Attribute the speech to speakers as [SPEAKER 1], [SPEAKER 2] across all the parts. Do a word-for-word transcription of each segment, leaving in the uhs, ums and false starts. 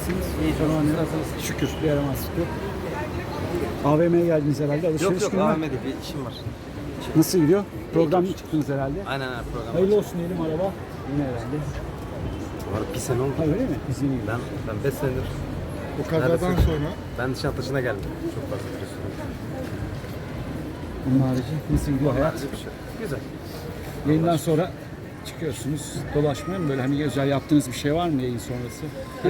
[SPEAKER 1] Nasılsınız?
[SPEAKER 2] İyi, çok
[SPEAKER 1] Tamam,
[SPEAKER 2] nasılsınız?
[SPEAKER 1] Şükür, bir yaramazlık yok. A V M'ye geldiniz herhalde, alışveriş
[SPEAKER 2] Yok yok
[SPEAKER 1] günü mü?
[SPEAKER 2] A V M değil, bir işim var.
[SPEAKER 1] Nasıl gidiyor? Programlı çıktınız herhalde.
[SPEAKER 2] Aynen aynen program.
[SPEAKER 1] Hayırlı olsun diyelim, araba yine herhalde.
[SPEAKER 2] Var bir sene oldu.
[SPEAKER 1] Ha öyle mi? Biz yeni
[SPEAKER 2] Ben ben beş senedir
[SPEAKER 3] O kazadan
[SPEAKER 2] Neredesin?
[SPEAKER 3] sonra
[SPEAKER 2] ben Nişantaşı'na geldim. Çok fazla biliyorsun.
[SPEAKER 1] Bunun harici nasıl gidiyor hayat?
[SPEAKER 2] Bir şey. Güzel.
[SPEAKER 1] Yayından sonra çıkıyorsunuz, dolaşmaya mı böyle hani özel yaptığınız bir şey var mı yayın sonrası?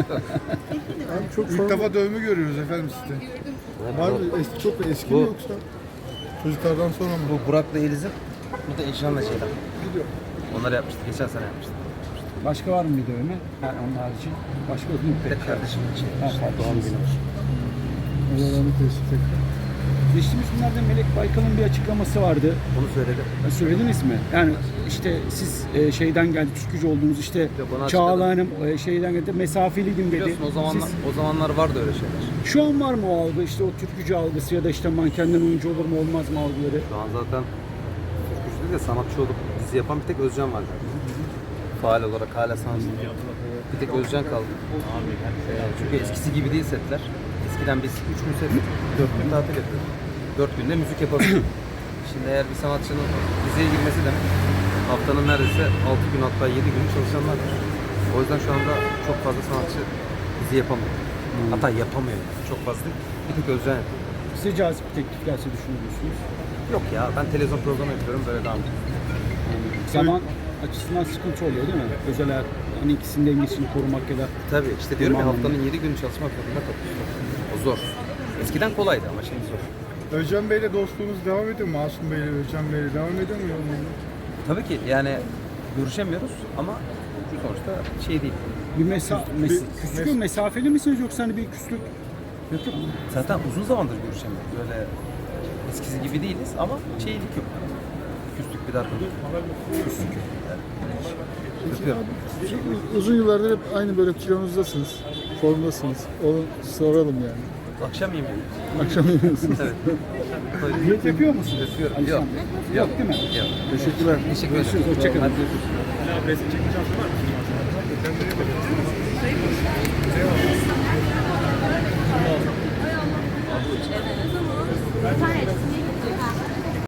[SPEAKER 3] çok ilk defa dövme görüyoruz efendim sizde. Var mı? Eski, çok eski
[SPEAKER 2] Bu-
[SPEAKER 3] mi yoksa? Çocuklardan sonra mı?
[SPEAKER 2] Bu Burak'la Eliz'in, bu da Eşan'la şeyden.
[SPEAKER 3] Gidiyor.
[SPEAKER 2] Onları yapmıştık. Geçen sene yapmıştık.
[SPEAKER 1] Başka var mı bir dövme? Ha, onun harici. Başka yok mu?
[SPEAKER 2] Bir de kardeşimin için.
[SPEAKER 1] Ha,
[SPEAKER 2] İşte
[SPEAKER 1] kardeşim.
[SPEAKER 2] doğum günü.
[SPEAKER 3] Allah'ını teşvik tekrar.
[SPEAKER 1] Geçtiğimiz günlerde Melek Baykal'ın bir açıklaması vardı.
[SPEAKER 2] Onu söyledi.
[SPEAKER 1] Ha, söylediniz mi? Yani işte siz e, şeyden geldi, türkücü oldunuz işte
[SPEAKER 2] Yok, onu
[SPEAKER 1] Çağla
[SPEAKER 2] açıkladım.
[SPEAKER 1] Hanım e, şeyden geldi, mesafeliydim dedi.
[SPEAKER 2] Biliyorsun o zamanlar,
[SPEAKER 1] Siz-
[SPEAKER 2] o zamanlar vardı öyle şeyler.
[SPEAKER 1] şu an var mı o algı, işte o türkücü algısı ya da işte mankenden oyuncu olur mu olmaz mı algıları?
[SPEAKER 2] Şu an zaten türkücü değil de sanatçı olup dizi yapan bir tek Özcan var zaten. Faal olarak hala sanatçı. Bir tek Özcan kaldı. Ee, çünkü eskisi gibi değil setler. Eskiden biz üç gün set, dört gün tatil yapıyorduk. Dört günde müzik yapabiliyorduk. Şimdi eğer bir sanatçının diziye girmesi demek haftanın neredeyse altı gün hatta yedi gün çalışanlar var. O yüzden şu anda çok fazla sanatçı dizi yapamıyor. Hatta yapamıyor. Çok fazla değil. Bir tek Özcan yapıyor.
[SPEAKER 1] Size cazip bir teklif gelse düşünür müsünüz?
[SPEAKER 2] Yok ya ben televizyon programı yapıyorum böyle devam ediyorum.
[SPEAKER 1] Zaman açısından sıkıntı oluyor değil mi? Özel hayat, hani ikisinin dengesini korumak ya da
[SPEAKER 2] Tabii işte diyorum ya
[SPEAKER 1] Tamam.
[SPEAKER 2] haftanın yedi günü çalışmak zorunda kalıyorsun. O zor. Eskiden kolaydı ama şimdi zor.
[SPEAKER 3] Özcan Bey'le dostluğunuz devam ediyor mu? Masum Bey'le, Özcan Bey'le devam ediyor mu yolunuz?
[SPEAKER 2] Tabii ki yani görüşemiyoruz ama sonuçta şey değil.
[SPEAKER 1] bir mesa mes
[SPEAKER 3] bir-
[SPEAKER 1] küslük
[SPEAKER 3] mes-
[SPEAKER 1] mü, mesafeli misiniz yoksa hani bir küslük? Yok yok.
[SPEAKER 2] Zaten uzun zamandır görüşemiyoruz. Böyle eskisi gibi değiliz ama şeylik yok. Küslük bir dargınlık. Küslük yok. Öpüyorum.
[SPEAKER 3] Uzun yıllardır hep aynı böyle kilonuzdasınız, formdasınız. Onu soralım yani.
[SPEAKER 2] Akşam yemeği.
[SPEAKER 3] Akşam yemeğiniz.
[SPEAKER 2] Evet.
[SPEAKER 1] Diyet yapıyor musunuz?
[SPEAKER 2] Öpüyorum.
[SPEAKER 1] Alişan
[SPEAKER 2] Yok.
[SPEAKER 1] Bey? Yok değil mi?
[SPEAKER 2] Yok.
[SPEAKER 3] Teşekkürler.
[SPEAKER 2] Teşekkür
[SPEAKER 1] Görüşürüz,
[SPEAKER 2] ederim.
[SPEAKER 1] hoşçakalın.
[SPEAKER 2] Hadi görüşürüz.
[SPEAKER 4] Evet ama bir tanesini